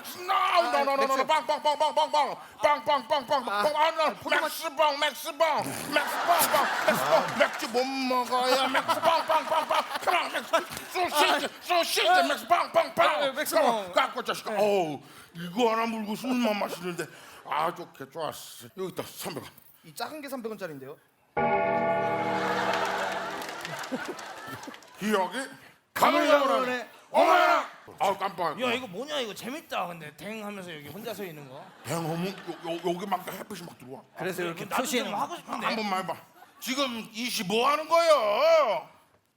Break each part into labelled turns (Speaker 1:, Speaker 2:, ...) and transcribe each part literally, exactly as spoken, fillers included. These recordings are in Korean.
Speaker 1: 맥스 나우 노노노노 빵빵빵빵빵빵 빵빵빵빵빵 맥스빵 맥스빵 맥스빵빵 맥스빵 맥주 못 먹어요 맥스 빵빵빵빵 컴온 맥스 소시지 소시지 맥스 빵빵빵
Speaker 2: 맥스빵.
Speaker 1: 깎고 자식아 어우 이거 하나 물고 술만 마시는데 아 좋게 좋았어 여기 있다 삼백 원
Speaker 2: 이 작은 게 삼백 원짜리인데요.
Speaker 1: 기억이
Speaker 2: 가물가물하네.
Speaker 1: 가물가물하네 어머나 아우 깜빡
Speaker 3: 야 이거 뭐냐 이거 재밌다. 근데 댕 하면서 여기 혼자 서 있는 거.
Speaker 1: 뱅어문 요, 요, 여기 막 햇빛이 막 들어와
Speaker 2: 그래서 이렇게
Speaker 3: 나도
Speaker 2: 표시는
Speaker 3: 좀 하고 싶은데.
Speaker 1: 한 번만 해봐 지금 이시 뭐 하는 거예요?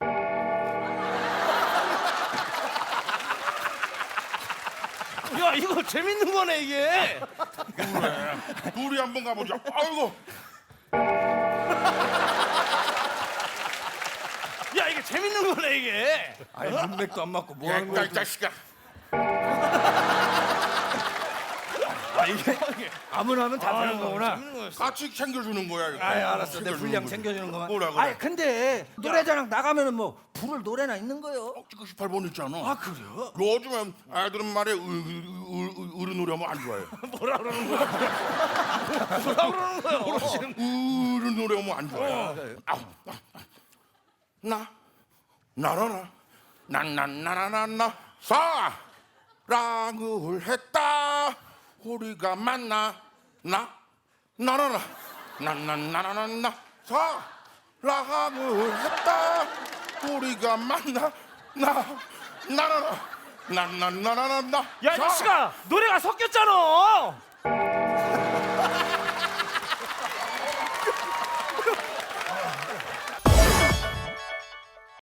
Speaker 3: 야 이거 재밌는 거네 이게.
Speaker 1: 그래 둘이 한번 가보자 아이고
Speaker 3: 야 이게 재밌는 거네 이게.
Speaker 2: 아니 문맥도 안 맞고 뭐 하는
Speaker 1: 야,
Speaker 2: 거야?
Speaker 1: 이 자식아
Speaker 2: 아 이게 아무나 하면 다 되는 거구나.
Speaker 3: 재밌는 거였어.
Speaker 1: 같이 챙겨주는 거야 이거.
Speaker 2: 아이 알았어. 내
Speaker 1: 챙겨주는
Speaker 2: 분량
Speaker 1: 거지.
Speaker 2: 챙겨주는 거만.
Speaker 1: 뭐라 그래
Speaker 4: 아니 근데 노래자랑 나가면은 뭐 부를 노래나 있는 거요?
Speaker 1: 어, 지금 십팔 번 있잖아
Speaker 4: 아 그래요?
Speaker 1: 요즘에 아이들은 말에 으- 으- 으- 어른 노래 하면 안 좋아해
Speaker 3: 뭐라 그러는 거야? 뭐라 그러는 거야? 어르신.
Speaker 1: 어른 노래 하면 안 좋아해 아우, 아, 아. 나 나라나 난난나나나나 사랑을 했다 우리가 만나 나 나나나 난난나나나나 사랑을 했다 우리가 만나 나 나나나 난난나나나나
Speaker 3: 야 이 씨가 노래가 섞였잖아.